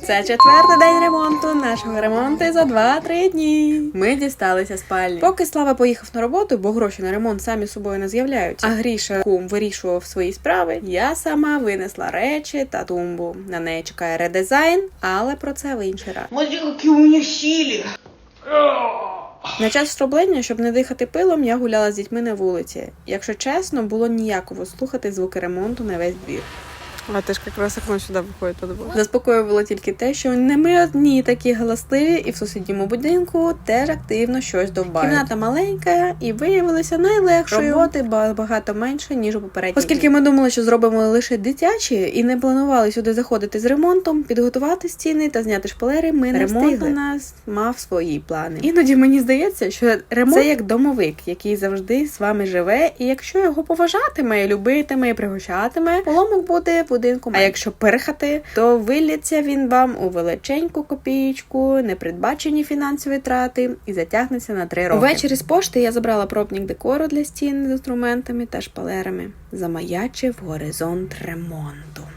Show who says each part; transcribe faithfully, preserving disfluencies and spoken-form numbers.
Speaker 1: Це четвертий день ремонту, нашого ремонту за два-три дні. Ми дісталися спальні. Поки Слава поїхав на роботу, бо гроші на ремонт самі собою не з'являються, а Гріша кум вирішував свої справи, я сама винесла речі та тумбу. На неї чекає редизайн, але про це в інший раз.
Speaker 2: Смотри, які у мене сили.
Speaker 1: На час встроблення, щоб не дихати пилом, я гуляла з дітьми на вулиці. Якщо чесно, було ніяково слухати звуки ремонту на весь двір. А ти ж якраз окно сюди виходить по двох. Заспокоювало тільки те, що не ми одні такі галасливі, і в сусідньому будинку теж активно щось довбають. Кімната маленька і виявилася найлегшою. Роботи багато менше, ніж у попередній. Оскільки ми думали, що зробимо лише дитячі і не планували сюди заходити з ремонтом, підготувати стіни та зняти шпалери, ми не встигли. Ремонт у нас мав свої плани. Іноді мені здається, що ремонт – це як домовик, який завжди з вами живе, і якщо його поважатиме, любитиме і пригощатиме, поломок буде в будинку. А якщо перхати, то виліться він вам у величеньку копієчку, непередбачені фінансові трати і затягнеться на три роки. Увечері з пошти я забрала пробник декору для стін з інструментами та шпалерами. Замаячив горизонт ремонту.